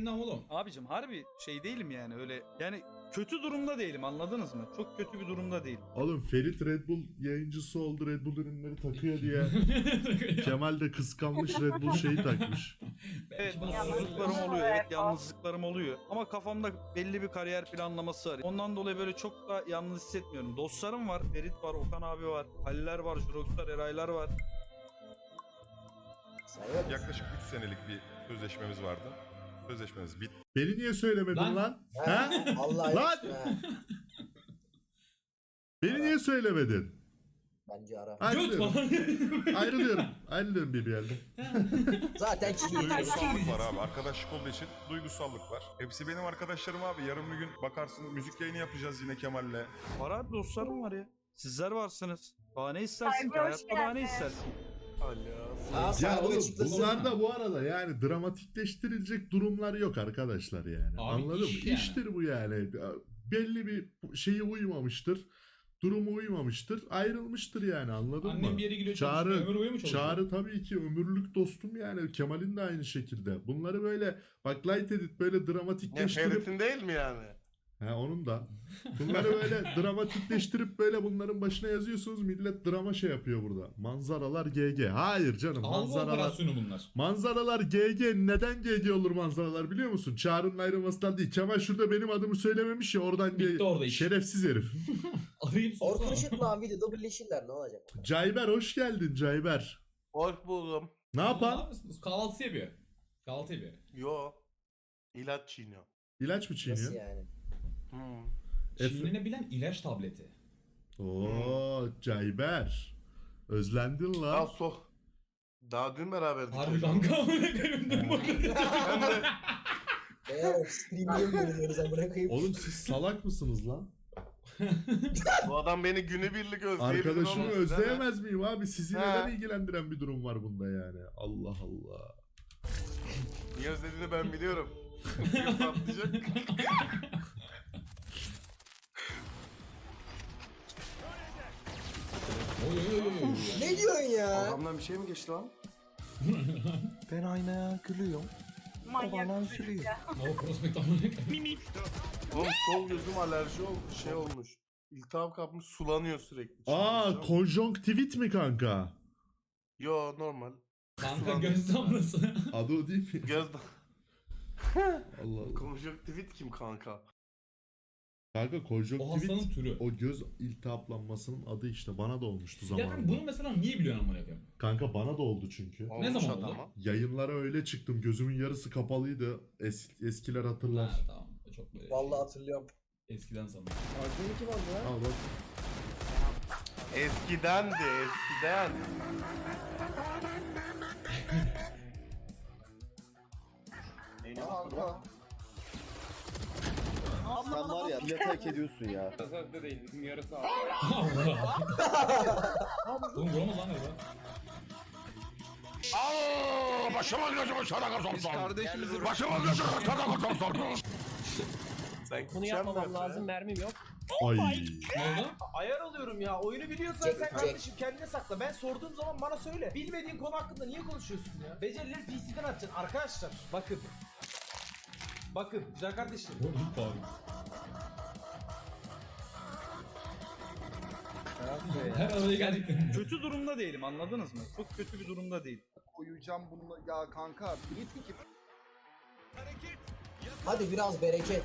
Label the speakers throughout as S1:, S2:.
S1: gündem oğlum.
S2: Abicim harbi şey değilim yani öyle yani kötü durumda değilim anladınız mı? Çok kötü bir durumda değilim.
S3: Oğlum Ferit Red Bull yayıncısı oldu, Red Bull ürünleri takıyor diye. Kemal de kıskanmış, Red Bull şeyi takmış.
S2: Evet mutsuzluklarım oluyor, evet yalnızlıklarım oluyor. Ama kafamda belli bir kariyer planlaması var. Ondan dolayı böyle çok da yalnız hissetmiyorum. Dostlarım var, Ferit var, Okan abi var, Haliller var, Juroxlar, Eraylar var.
S4: Yaklaşık 3 senelik bir sözleşmemiz vardı. Sözleşmemiz bitti.
S3: Beni niye söylemedin
S1: Lan.
S3: lan? Ha?
S5: Vallahi
S3: Lan! Beni niye söylemedin?
S5: Bence ara.
S1: Göt
S3: Ayrılıyorum.
S1: falan.
S3: Ayrılıyorum. Ayrılıyorum BBL'de.
S5: Zaten çiğ.
S4: Duygusallık var abi. Arkadaşlık olduğu için duygusallık var. Hepsi benim arkadaşlarım abi. Yarın bir gün bakarsın müzik yayını yapacağız yine Kemal'le.
S2: Var abi dostlarım var ya. Sizler varsınız. Daha ne istersin ki? Hayatta daha ne istersin?
S3: Ya oğlum bunlar da bu arada yani dramatikleştirilecek durumlar yok arkadaşlar yani.
S1: Abi
S3: Anladın mı?
S1: iş yani.
S3: İştir bu yani. Belli bir şeye uymamıştır. Durumu uymamıştır. Ayrılmıştır yani anladın mı?
S1: Annem bir yere gidiyor çalışıyor. Ömür boyu mu çalışıyor?
S3: Çağrı tabii ki ömürlük dostum yani. Kemal'in de aynı şekilde. Bunları böyle bak light edit böyle
S6: Ne
S3: dramatikleştirip
S6: Ferit'in değil mi yani?
S3: he onun da. Bunları böyle dramatikleştirip böyle bunların başına yazıyorsunuz. Millet drama şey yapıyor burada. Manzaralar GG. Hayır canım.
S1: Algı
S3: Manzaralar
S1: operasyonu bunlar.
S3: Manzaralar GG. Neden GG olur manzaralar biliyor musun? Çağrı'nın ayrılmasından değil. Kemal şurada benim adımı söylememiş ya oradan
S1: Bitti orada iş.
S3: şerefsiz herif.
S1: Arayayım
S5: Orkun
S1: sorsana.
S5: Işıtma videoda birleşirler ne olacak?
S3: Cayber hoş geldin Cayber.
S6: Hoş buldum.
S3: Ne
S1: Ne
S3: yapan?
S1: yapıyorsunuz? Kahvaltı yapıyor. Kahvaltı yapıyor.
S6: Yo. İlaç çiğniyor.
S3: İlaç mı çiğniyor?
S5: Nasıl yani?
S1: Çiğnenebilen ilaç tableti.
S3: Oo Cayber. Özlendin
S6: Daha
S3: lan.
S6: Daha dün beraberdik.
S1: Harbi kanka amına koyayım. Dur bakalım.
S6: Ben de
S5: Eğer stream'e bölünüyoruz amına koyayım.
S3: Oğlum siz salak mısınız lan?
S6: bu adam beni günübirlik özleyebilir.
S3: Arkadaşımı
S6: oğlum.
S3: özleyemez miyim abi? Sizi
S6: He.
S3: neden ilgilendiren bir durum var bunda yani? Allah Allah.
S6: Niye özlediğini ben biliyorum. Yok, patlayacak.
S1: Oy oy oy oy.
S5: Ne diyorsun ya?
S7: Adamdan bir şey mi geçti lan? Ben aynaya gülüyorum. O bana üzülüyor.
S1: No prospect amına koyayım.
S6: Oğlum sol gözüm alerji şey olmuş. İltihap kapmış sulanıyor sürekli.
S3: Aa
S6: Çıldıracağım.
S3: konjonktivit mi kanka?
S6: Yo normal.
S1: Kanka göz damlası.
S3: Adı o değil mi?
S6: Göz
S3: Allah Allah.
S6: konjonktivit kim kanka?
S3: Kanka
S1: O
S3: konjonktivit
S1: hastanın türü.
S3: o göz iltihaplanmasının adı işte. Bana da olmuştu
S1: Ya kanka
S3: zamanında.
S1: bunu mesela niye biliyorsun amına koyayım?
S3: Kanka bana da oldu çünkü.
S6: Olmuş
S1: zaman oldu?
S6: adama.
S3: Yayınlara öyle çıktım. Gözümün yarısı kapalıydı. Eskiler hatırlar.
S1: Ha tamam. O çok böyle
S5: Vallahi hatırlıyorum.
S1: eskiden sanırım.
S5: Arkadaşı kim oldu lan?
S3: Al bak.
S6: Eskiden de eskiden.
S7: Kanka. Sen var ya millete hak ediyorsun ya.
S1: Oğlum vuramaz lan orada.
S4: Başıma gözümü sadaka
S7: Biz kardeşimizi
S4: Başıma gözümü sadaka
S6: Sen
S8: Bunu yapmamam lazım, mermim yok.
S3: Ay.
S1: Ne oldu?
S8: Ayar alıyorum ya. Oyunu biliyorsan
S5: Jack,
S8: sen
S5: Jack.
S8: kardeşim kendine sakla. Ben sorduğum zaman bana söyle. Bilmediğin konu hakkında niye konuşuyorsun ya? Becerileri PC'den atacaksın arkadaşlar. Bakın. Bakın güzel kardeşim.
S1: Pardon. Her araya geldik.
S2: Kötü durumda değilim anladınız mı? Çok kötü bir durumda değil.
S7: koyacağım bunu ya kanka. Bir ki
S5: Hadi biraz bereket.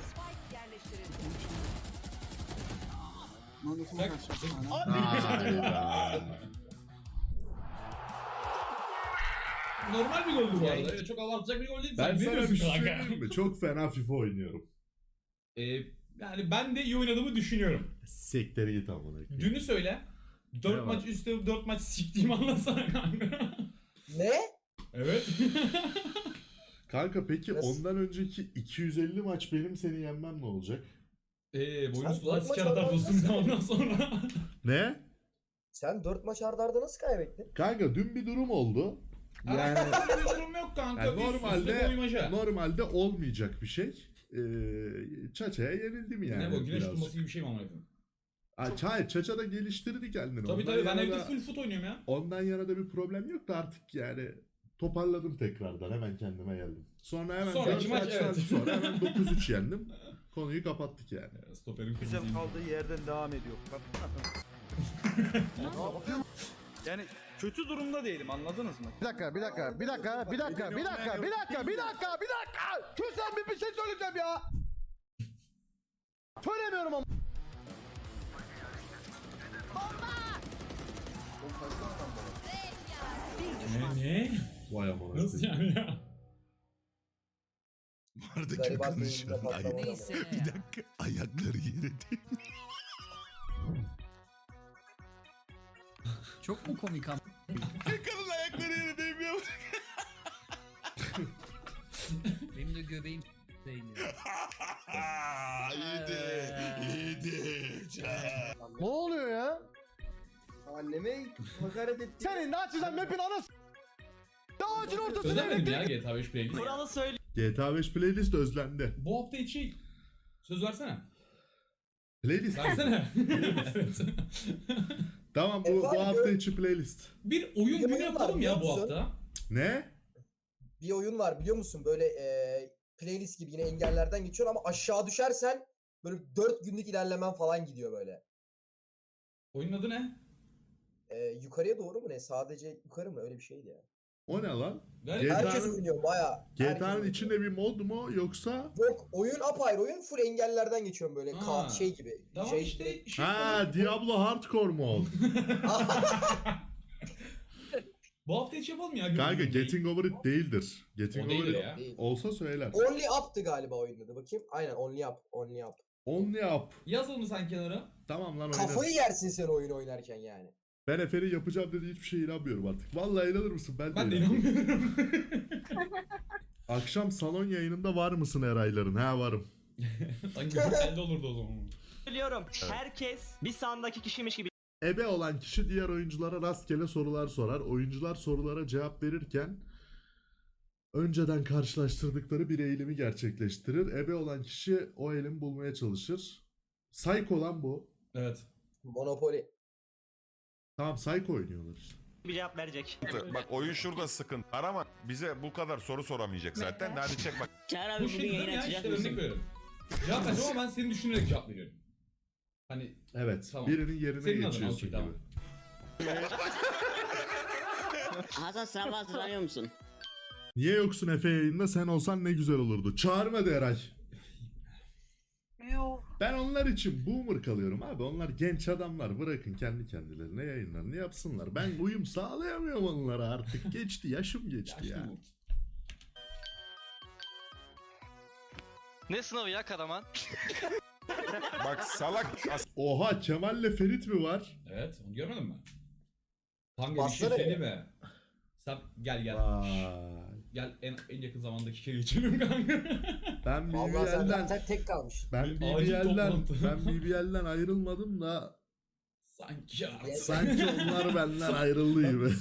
S1: Normal bir goldü bu arada. Öyle çok abartacak bir gol değil.
S3: Ben
S1: Sen ne
S3: sana bir
S1: diyorsun
S3: şey
S1: kanka?
S3: söyleyeyim mi? Çok fena FIFA oynuyorum.
S1: Yani ben de iyi oynadığımı düşünüyorum.
S3: Sektere git amına koyayım.
S1: Dünü söyle. 4
S3: Ne
S1: maç
S3: var?
S1: üstte 4 maç siktiğimi anlatsana kanka.
S5: Ne?
S1: Evet.
S3: Kanka peki
S5: Nasıl?
S3: ondan önceki 250 maç benim seni yenmem ne olacak?
S1: Boynuz
S5: Sen
S1: kulağı
S5: dört maç
S1: siker atar dostum
S5: aldın.
S1: ondan sonra.
S3: Ne?
S5: Sen 4 maç arda arda nasıl kaybettin?
S3: Kanka dün bir durum oldu. Yani
S1: Öyle bir durum yok kanka.
S3: Yani
S1: Üst üste koymaca.
S3: normalde olmayacak bir şey. Çaça'ya yenildim yani.
S1: Ne bu güneş
S3: birazcık.
S1: tutması gibi bir şey mi amına koyayım?
S3: Hayır Çaça da geliştirdi kendini.
S1: Tabii
S3: Ondan
S1: tabii ben
S3: yana
S1: evde
S3: da-
S1: full foot oynuyorum ya.
S3: Ondan yana da bir problem yok da artık yani toparladım tekrardan. Hemen kendime geldim. Sonra hemen
S1: Sonraki
S3: 4
S1: maç,
S3: maçtan
S1: evet.
S3: sonra hemen 9-3 yendim. Konuyu kapattık yani.
S1: Stoperin
S2: Güzel
S1: kırmızı.
S2: kaldığı yerden devam ediyor. Yani kötü durumda değilim, anladınız mı?
S7: Bir dakika. Lütfen bir şey söyleyeceğim ya. Söylemiyorum ama.
S1: Ne?
S3: Vay aman.
S1: Nasıl yani ya?
S5: Buradaki Gariban konuşan ay.
S9: Neyse.
S3: Bir dakika ayakları yere değil.
S9: Çok mu komik ama?
S3: Kadın ayakları yere değmiyor.
S9: Benim de göbeğim değmiyor.
S3: iyiydi.
S7: Ne oluyor ya?
S5: Anneme hakaret etti.
S7: Senin de açacağım map'in anası. Ağacın ortasına
S1: Özlemedim ya GTA 5 playlist.
S3: GTA 5 playlist özlendi.
S1: Bu hafta içi söz versene.
S3: Playlist.
S1: Versene.
S3: Tamam bu hafta içi playlist.
S1: Bir oyun
S5: Bir
S1: günü
S5: oyun
S1: yapalım
S5: var,
S1: ya
S5: biliyor
S1: bu
S5: musun?
S1: hafta.
S3: Ne?
S5: Bir oyun var biliyor musun? Böyle playlist gibi yine engellerden geçiyor ama aşağı düşersen böyle 4 günlük ilerlemen falan gidiyor böyle.
S1: Oyunun adı ne?
S5: Yukarıya doğru mu ne? Sadece yukarı mı? Öyle bir şeydi ya.
S3: O ne lan?
S1: Galiba
S5: Herkes oynuyor baya.
S3: GTA'nın içinde bir mod mu yoksa?
S5: Yok oyun apayrı oyun full engellerden geçiyorum böyle
S1: Ha.
S5: şey gibi.
S1: Tamam
S5: şey
S1: işte.
S3: Ha Diablo Hardcore mod.
S1: Bu hafta içi yapalım ya.
S3: Kanka
S1: günü.
S3: Getting Over It değildir. Getting
S1: O
S3: Over
S1: değildir
S3: It
S1: ya.
S5: Değil.
S3: olsa söyler.
S5: Only Up'tı galiba oyunun adı. Bakayım. Aynen Only Up. Only Up.
S3: Only Up.
S1: Yazalım sen kenara.
S3: Tamam lan
S5: Kafayı
S3: oynarız.
S5: yersin sen oyun oynarken yani.
S3: Ben Efe'nin yapacağım dediği hiçbir şeye inanmıyorum artık. Vallahi inanır mısın?
S1: Ben de
S3: inanmıyorum.
S1: inanmıyorum.
S3: Akşam salon yayınında var mısın Erayların? Ha varım.
S1: Sanki güzel olurdu o zaman.
S10: Biliyorum. Herkes bir sandaki kişiymiş gibi
S3: Ebe olan kişi diğer oyunculara rastgele sorular sorar. Oyuncular sorulara cevap verirken önceden karşılaştırdıkları bir eğilimi gerçekleştirir. Ebe olan kişi o eğilimi bulmaya çalışır. Psycho olan bu.
S1: Evet.
S5: Monopoly.
S3: Tamam Psycho oynuyorlar işte.
S10: bir cevap verecek.
S4: Bak oyun şurada sıkıntı. Arama bize bu kadar soru soramayacak zaten. Hadi çek bak.
S10: Çağrı
S1: Bu şey değil mi ya işte örnek veriyorum. Cevap vereceğim ama ben seni düşünerek cevap veriyorum. Hani
S3: Evet.
S1: Tamam.
S3: Birinin yerine
S1: Senin adına,
S3: geçiyorsun
S1: okey,
S3: gibi.
S1: tamam.
S10: Hasan sınava hazırlanıyor musun?
S3: Niye yoksun Efe yayında? Sen olsan ne güzel olurdu. Çağırmadı Eray. Ben onlar için boomer kalıyorum abi. Onlar genç adamlar. Bırakın kendi kendilerine yayınlarını yapsınlar. Ben uyum sağlayamıyorum onlara artık. Geçti. Yaşım geçti ya.
S1: Yaşlı Umut.
S10: Ne sınavı ya Karaman?
S4: Bak salak
S3: Oha Kemal'le Ferit mi var?
S1: Evet, onu görmedin mi? Kanka bir şey
S5: Bassana
S1: söyleyeyim mi? Sen gel.
S3: Vay.
S1: Gel en yakın zamandaki kere geçelim kanka.
S3: Ben
S5: Vallahi sen
S3: BBL'den
S5: zaten tek kalmış.
S3: ben
S1: Acil
S3: BBL'den
S1: toplantı.
S3: ben BBL'den ayrılmadım da
S1: Sanki artık.
S3: sanki onlar benden ayrıldı gibi.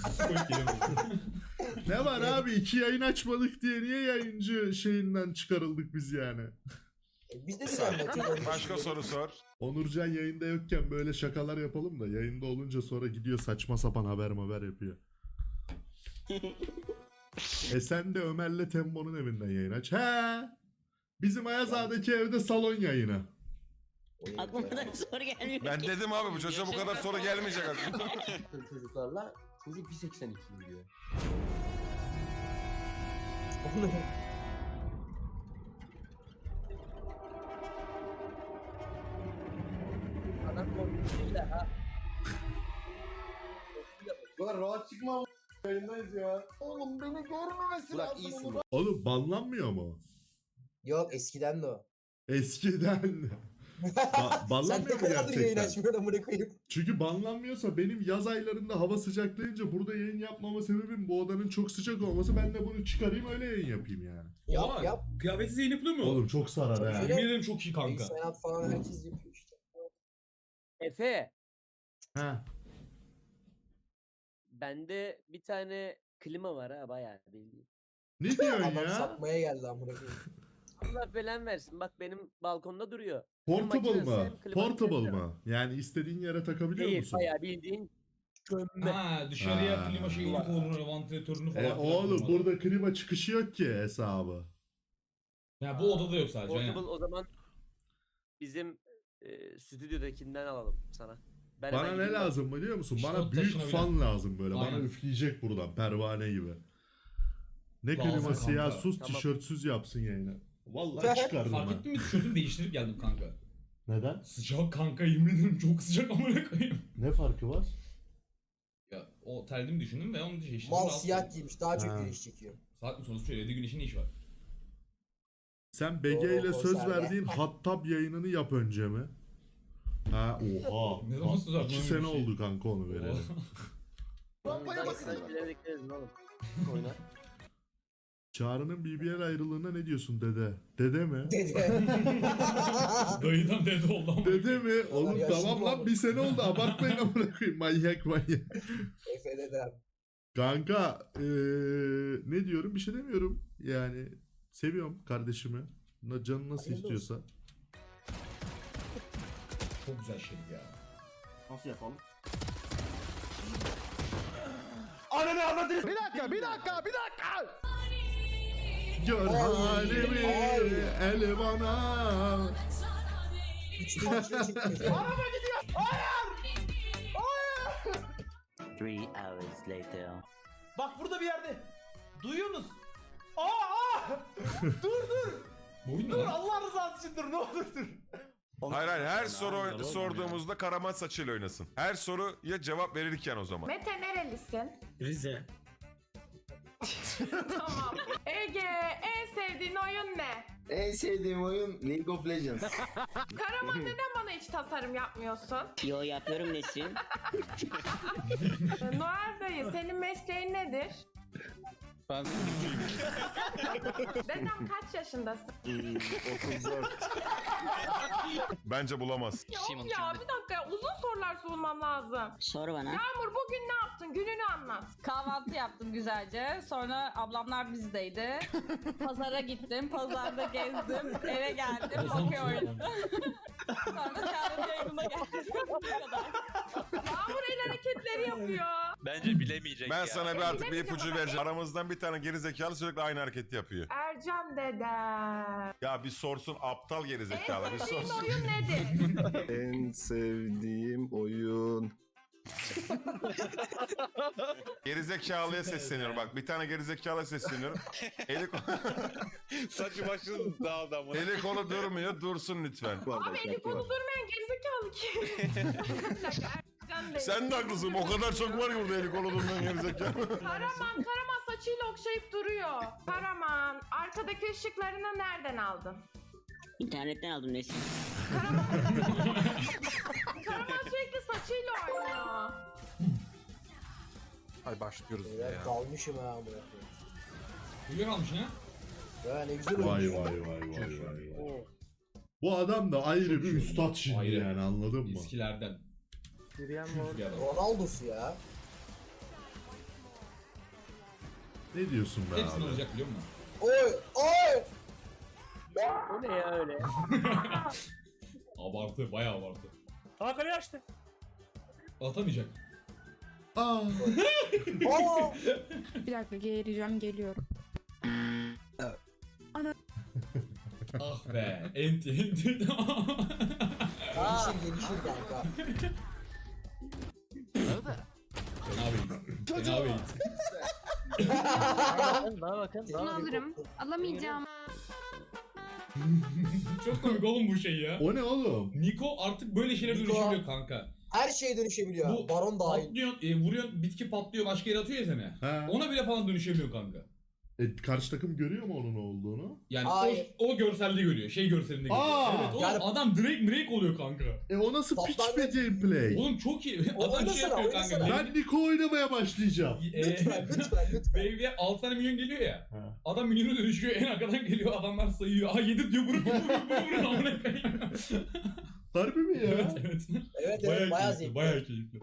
S3: Ne var abi 2 yayın açmadık diye niye yayıncı şeyinden çıkarıldık biz yani?
S5: Biz de düzenle.
S4: başka soru sor.
S3: Onurcan yayında yokken böyle şakalar yapalım da yayında olunca sonra gidiyor saçma sapan haber yapıyor. Sen de Ömer'le Tembo'nun evinden yayın aç. He. Bizim Ayazağa'daki evde salon yayını.
S10: Aklıma da soru gelmiyor.
S4: Ben dedim abi bu çocuğa bu kadar soru gelmeyecek aklıma.
S5: Çocuklarla çocuk 1.82 gidiyor. Adam korkuyor da ha.
S6: Ulan rahat çıkma ama yayındayız ya. Oğlum beni görmemesi
S5: Burak
S6: lazım.
S5: iyisin.
S3: Oğlum banlanmıyor mu?
S5: Yok eskiden de o.
S3: Eskiden.
S5: Sen ne
S3: Banlanmıyor mu
S5: kadardır yayın
S3: gerçekten?
S5: açmıyorsun amına koyayım.
S3: Çünkü banlanmıyorsa benim yaz aylarında hava sıcaklayınca burada yayın yapmama sebebim bu odanın çok sıcak olması. Ben de bunu çıkarayım öyle yayın yapayım yani.
S5: Yap yap.
S1: Kıyafetsiz yayın yapılıyor mu?
S3: Oğlum çok sarar ha.
S5: Şöyle-
S1: Yemin ederim çok iyi kanka.
S5: Bilgisayar falan herkes yapıyor işte.
S10: Efe,
S3: Ha.
S10: bende bir tane klima var ha bayağı bildiğin.
S3: Ne diyorsun
S5: Adam
S3: ya?
S5: satmaya geldi amına koyayım.
S10: Allah belan versin. Bak benim balkonda duruyor.
S3: Portable
S10: makinesi,
S3: mı?
S10: klima
S3: Portable
S10: makinesi
S3: mı? Yani istediğin yere takabiliyor
S10: Değil,
S3: musun?
S10: bayağı bildiğin
S1: Ha dışarıya
S3: Ha.
S1: klima şeyini koyulur, vantilatörünü falan. filan
S3: Oğlum
S1: koymalı.
S3: burada klima çıkışı yok ki hesabı.
S1: Ya bu odada yok sadece.
S10: Portable
S1: aynen.
S10: o zaman bizim stüdyodakinden alalım sana. Ben
S3: Bana
S10: hemen
S3: ne
S10: gideyim
S3: lazım biliyor musun?
S1: İşte
S3: Bana
S1: o
S3: büyük
S1: taşınabilen.
S3: fan lazım böyle. Bana
S1: Aynen.
S3: üfleyecek buradan pervane gibi. Ne
S1: Lazım
S3: kliması ya,
S1: kanka.
S3: sus
S10: Tamam.
S3: tişörtsüz yapsın yayını. Vallahi çıkardım
S1: Fark
S3: ben.
S1: ettin mi? Tişörtümü değiştirip geldim kanka.
S3: Neden?
S1: Sıcak kanka, yemin ederim çok sıcak amına koyayım.
S3: Ne farkı var?
S1: Ya o terliğimi düşündüm ve onu değiştirdim.
S5: Mal
S1: rahatsız
S5: siyah
S1: oldum.
S5: giymiş daha çok
S3: Ha.
S5: güneş çekiyor.
S1: Saat mi sonuç söyledi, güneşin ne işi var?
S3: Sen BG
S5: Doğru,
S3: ile söz
S5: konserve.
S3: verdiğin Hattab yayınını yap önce mi? Ha oha.
S1: Ne zaman söz verdin
S3: 2
S1: öyle
S3: sene
S1: bir şey?
S3: oldu kanka onu vereli.
S10: Rampaya bakın. Bekleriz oğlum. Oyna.
S3: Çağrı'nın BBL ayrılığına ne diyorsun dede? Dede mi?
S5: Dedi.
S1: Dayıdan dede oldu ama.
S3: Dede mi? Oğlum
S5: yaşlı
S3: tamam
S5: mı
S3: lan
S5: oldu?
S3: bir sene oldu abartmayın amına koyayım manyak manyak.
S5: Efe dedem.
S3: Kanka ne diyorum bir şey demiyorum. Yani seviyorum kardeşimi. Canı nasıl
S5: Hayırlı
S3: istiyorsa.
S1: Çok güzel şey ya.
S7: Nasıl yapalım? Ananı avradını. Bir dakika.
S3: Gör
S5: Ay,
S3: halimi
S5: ay.
S3: el bana.
S5: 3000 kişi çekmeyecek.
S10: 3 hours later.
S8: Bak burada bir yerde. Duyuyorsunuz? Aa! Dur.
S1: Bu oyun ne
S8: Dur
S1: lan?
S8: Allah rızası için dur ne olur dur.
S4: Hayır her soru sorduğumuzda Karaman saçıyla oynasın. Her soruya cevap verirken o zaman.
S11: Mete nerelisin?
S9: Rize.
S11: Tamam. Ege en sevdiğin oyun ne?
S7: En sevdiğim oyun League of Legends.
S11: Karaman neden bana hiç tasarım yapmıyorsun?
S10: Yo yapıyorum Nesrin.
S11: Noel dayı senin mesleğin nedir?
S9: Ben
S11: Dedem kaç yaşındasın?
S7: 34.
S4: Bence bulamaz.
S11: Ya of ya bir dakika ya, uzun sorular sormam lazım.
S10: Sor bana.
S11: Yağmur bugün ne yaptın? Gününü anlat.
S12: Kahvaltı yaptım güzelce. Sonra ablamlar bizdeydi. Pazara gittim. Pazarda gezdim. Eve geldim. Okey oynadım. Sonra Çağrı'nın yayınına geldim. Bu kadar.
S11: Yağmur el hareketleri yapıyor.
S13: Bence bilemeyecek
S4: Ben
S13: ya.
S4: sana bir artık bir ipucu vereceğim. Aramızdan bir tane gerizekalı sürekli aynı hareketi yapıyor.
S11: Ercan dedem.
S4: Ya bir sorsun aptal gerizekalı bir
S11: En sevdiğin
S4: sorsun.
S11: oyun nedir?
S7: En sevdiğim oyun.
S4: Gerizekalıya sesleniyorum bak. Bir tane gerizekalıya sesleniyorum. Eli,
S13: Saçı başını dağıldı ama.
S4: eli kolu durmuyor. Dursun lütfen.
S11: Abi eli kolu durmayan gerizekalı kim? Bir dakika, Ercan dedem.
S4: Sen de haklısın. O kadar çok var ki burada eli kolu durmayan gerizekalı.
S11: Karaman saçıyla okşayıp duruyor. Karaman, arkadaki ışıklarını nereden aldın?
S10: İnternetten aldım Nesrin.
S11: Karaman sürekli saçıyla oynuyor.
S2: Hadi başlıyoruz
S5: Evet, dalmışım ha amına koyayım.
S1: Uyuyakalmışsın ha?
S5: Ya ne güzel
S3: Vay
S5: oynuyor.
S3: vay. Bu adam da ayrı
S1: Çok
S3: bir
S1: iyi
S3: üstad
S1: oynuyor.
S3: şimdi
S1: Ayrı.
S3: yani anladın mı?
S1: Eskilerden.
S8: Yürüyen
S1: Çok iyi adam.
S5: Ronaldo'su ya.
S3: Ne diyorsun be
S1: Hepsini
S3: abi?
S1: olacak biliyor musun?
S5: Oy!
S10: O ne ya öyle?
S1: Abartı, bayağı abartı.
S13: Hakan'ı açtı.
S1: Atamayacak.
S3: Aa.
S5: Aa!
S11: Bir dakika geliyorum.
S1: Ah be. Enti.
S5: Gelişir kanka.
S1: Fena beyit. Fena beyit.
S10: Bana bakın.
S11: Bunu alırım. Alamayacağım.
S1: Çok komik oğlum bu şey ya.
S3: O ne oğlum?
S1: Niko artık böyle şeylere
S5: Niko.
S1: dönüşebiliyor kanka.
S5: Her şeye dönüşebiliyor.
S1: Bu
S5: Baron dahil.
S1: patlıyorsun, vuruyorsun, bitki patlıyor, başka yere atıyor ya seni.
S3: Ha.
S1: Ona bile falan dönüşebiliyor kanka.
S3: Karşı takım görüyor mu onun olduğunu?
S1: Yani
S5: Hayır.
S1: o görselde görüyor. Şey görselinde görüyor.
S3: Aa!
S1: Evet oğlum
S5: Yani-
S1: adam Drake oluyor kanka.
S3: O nasıl piç
S5: Toplam-
S3: bir gameplay?
S1: Oğlum çok iyi.
S5: O
S1: Adam şey
S5: oynasana,
S1: yapıyor kanka.
S5: oynasana.
S3: Ben Niko oynamaya başlayacağım.
S5: Lütfen.
S1: Wave'ye 6 tane milyon geliyor ya.
S3: Ha.
S1: Adam milyona dönüşüyor, en arkadan geliyor, adamlar sayıyor. Aa 7 diyor, vurun amına koyayım.
S3: Harbi mi ya?
S1: Evet evet.
S5: Evet
S1: Bayağı
S5: evet bayağı
S1: keyifli,
S5: zevkli.
S1: bayağı keyifli.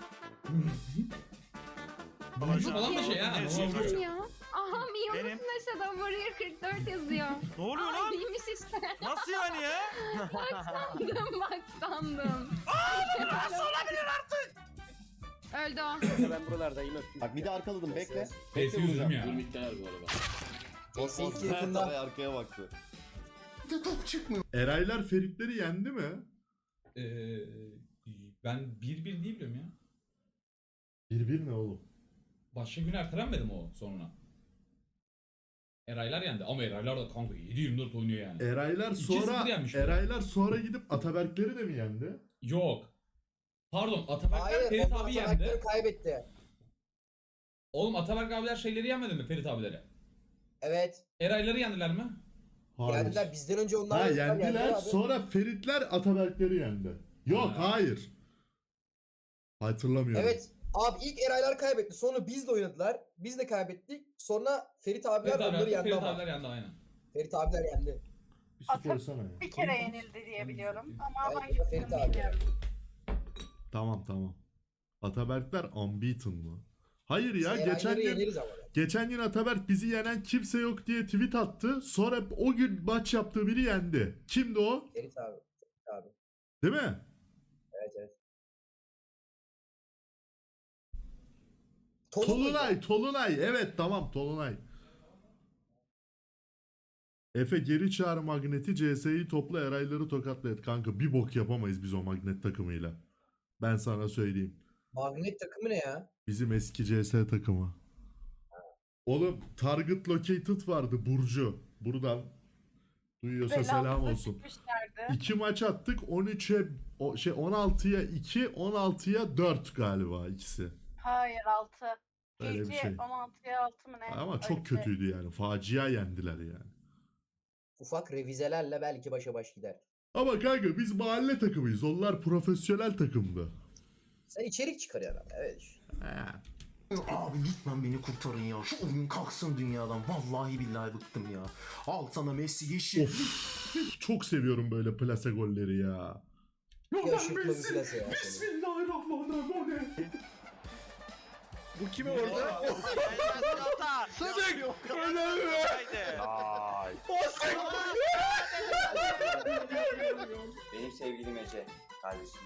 S1: Vuruşu falan da şey ya. normal vuruyor.
S11: Ya. Aha Miyo'nun
S13: Benim.
S11: Neşe arkada Warrior 44 yazıyor.
S2: Ne oluyor
S11: Ay,
S2: lan?
S11: değilmiş işte.
S2: Nasıl yani ya?
S11: Bak sandım.
S2: Nasıl olabilir artık?
S11: Öldü o.
S10: Ben buralardayım.
S7: Bak bir de arkaladım bekle.
S1: Pesi yüzdüm ya.
S5: Neyse yakında.
S7: Arkaya baktı. Top çıkmıyor.
S3: Eraylar Feritleri yendi mi?
S1: Ben 1-1 diye biliyorum ya.
S3: 1-1 ne oğlum?
S1: Başka gün ertelenmedi mi o sonra? Eraylar yendi ama Eraylar da kanka 7-24 oynuyor yani.
S3: Eraylar
S1: 2-0
S3: sonra
S1: yenmiş.
S3: Eraylar sonra gidip Ataberkleri de mi yendi?
S1: Yok. Pardon Ataberkler
S5: Hayır,
S1: Ferit
S5: onlar
S1: abi
S5: Ataberkleri
S1: yendi.
S5: kaybetti.
S1: Oğlum Ataberk abiler şeyleri yenmedi mi Ferit abileri?
S5: Evet.
S1: Erayları yendiler mi?
S3: Hayır.
S5: Yendiler. Bizden önce onlar
S3: Ha
S5: yendiler
S3: yendiler
S5: abi.
S3: sonra Feritler Ataberkleri yendi. Yok
S1: Ha.
S3: hayır. Hatırlamıyorum.
S5: Evet. Abi ilk Eraylar kaybetti. Sonra biz de oynadılar. Biz de kaybettik. Sonra Ferit abiler
S1: Ferit
S5: onları
S1: abiler,
S5: yendi
S1: Ferit
S5: ama.
S1: abiler yendi aynen.
S5: Ferit abiler yendi.
S3: Bir su koysana ya.
S11: Bir kere yenildi diye biliyorum. Ama
S5: Evet,
S11: hangisini
S5: Ferit abi.
S11: bilmiyorum.
S3: Tamam. Ataberkler unbeaten mı? Hayır ya
S5: Biz
S3: geçen
S5: Erayları
S3: gün
S5: yeneriz ama.
S3: geçen gün Ataberk bizi yenen kimse yok diye tweet attı. Sonra o gün maç yaptığı biri yendi. Kimdi o?
S5: Ferit abi. Ferit abi.
S3: Değil mi?
S5: Evet.
S3: Tolunay. Evet tamam Tolunay. Efe geri çağır Magnet'i, CS'yi topla, Erayları tokatla et. Kanka bir bok yapamayız biz o Magnet takımıyla. Ben sana söyleyeyim.
S5: Magnet takımı ne ya?
S3: Bizim eski CS takımı. Oğlum Target Located vardı Burcu. Buradan duyuyorsa selam olsun. 2 maç attık 13'e 16'ya 2, 16'ya 4 galiba ikisi.
S11: Hayır 6.
S3: Öyle bir şey.
S11: 16'ya 6 mı ne?
S3: Ama çok kötüydü yani. Facia yendiler yani.
S5: Ufak revizelerle belki başa baş gider.
S3: Ama kanka biz mahalle takımıyız. Onlar profesyonel takımdı.
S5: Sen içerik çıkarıyorsun ama. Evet.
S3: Ha.
S7: Abi lütfen beni kurtarın ya. Şu oyun kalksın dünyadan. Vallahi billahi bıktım ya. Al sana Messi yeşil.
S3: Of. Çok seviyorum böyle plase golleri ya.
S5: Yaşıklı bir plase ya. senin.
S3: Bismillahirrahmanirrahim.
S13: Bu kimi orada? Sık!
S10: Benim sevgilim Ece. Kardeşim.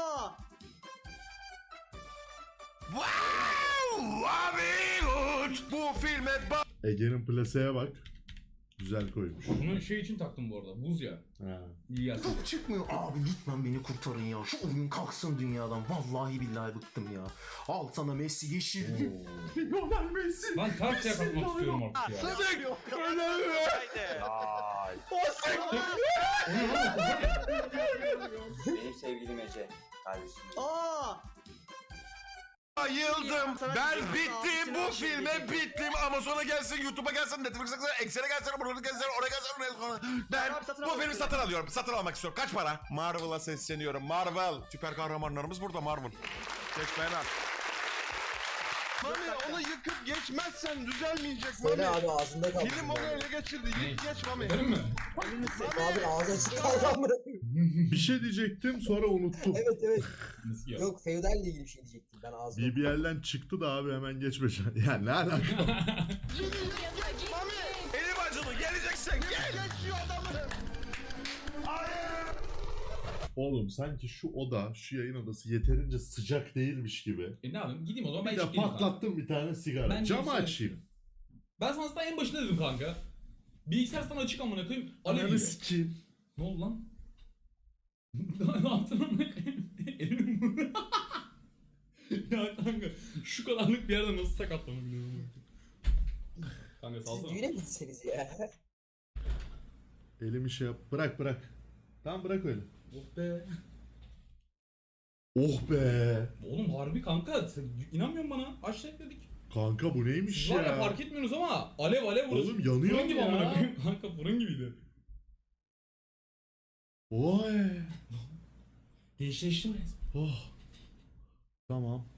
S4: Bu filme
S3: Ege'nin plaseye bak. Güzel koymuş.
S1: Bunu şey için taktım bu arada. Buz ya.
S3: Ha.
S1: İyi gelsin.
S7: Top çıkmıyor. Abi lütfen beni kurtarın ya. Şu oyun kalksın dünyadan. Vallahi billahi bıktım ya. Al sana Messi yeşil. Lionel Messi.
S1: Ben karşıya kalkmak istiyorum artık ya.
S10: Benim sevgilim Ece. Kardeşim.
S4: Bayıldım. Ben bittim. Bu filme bittim. Amazon'a gelsin, YouTube'a gelsin, Netflix'e gelsin, Excel'e gelsin, buraya gelsin, oraya gelsin, oraya gelsin. Ben bu filmi satın alıyorum. Satın almak istiyorum. Kaç para? Marvel'a sesleniyorum. Marvel. Süper kahramanlarımız burada Marvel. Geçmeyen al.
S13: Mami onu yıkıp geçmezsen düzelmeyecek
S5: Söyle abi ağzında kaldı.
S13: Film onu ele geçirdi. Yık geç Mami.
S1: Değil mi?
S5: Abi ağzı açık kaldı amına koyayım.
S3: Bir şey diyecektim sonra unuttum.
S5: Evet.
S1: Nasıl ya?
S5: Yok feudal ile ilgili bir şey diyecektim ben ağzımda.
S3: BBL'den çıktı da abi hemen geçme. Ya ne alaka?
S4: Elim acıdı. Geleceksin. Gel.
S13: Geçiyor adamı.
S3: Oğlum sanki şu oda, şu yayın odası yeterince sıcak değilmiş gibi.
S1: Ne yapayım? Gideyim o zaman ben
S3: Bir de
S1: içeyim kanka.
S3: patlattım bir tane sigara.
S1: Ben
S3: Camı
S1: gideyim
S3: açayım.
S1: Ben sana zaten en başında dedim kanka. Bilgisayar sana açık amına koyayım. Alev
S3: Ananı
S1: gibi.
S3: sikeyim.
S1: Ne oldu lan? Ne yaptın amına koyayım? Elim Ya kanka şu kadarlık bir yerde nasıl sakatlanabiliyorum? Kanka
S5: Siz
S1: salsana.
S5: düğüne mi gitseniz ya?
S3: Elimi şey yap. Bırak. Tamam bırak öyle.
S1: Oh be.
S3: Oh be.
S1: Oğlum harbi kanka sen inanmıyorsun bana. Aşağı dedik.
S3: Kanka bu neymiş
S1: Siz var ya
S3: ya?
S1: fark etmiyorsunuz ama alev burası.
S3: Oğlum yanıyor
S1: Fırın gibi
S3: ya.
S1: amına koyayım. Kanka fırın gibiydi.
S3: Oy.
S1: Gençleştim resmen.
S3: Oh. Tamam.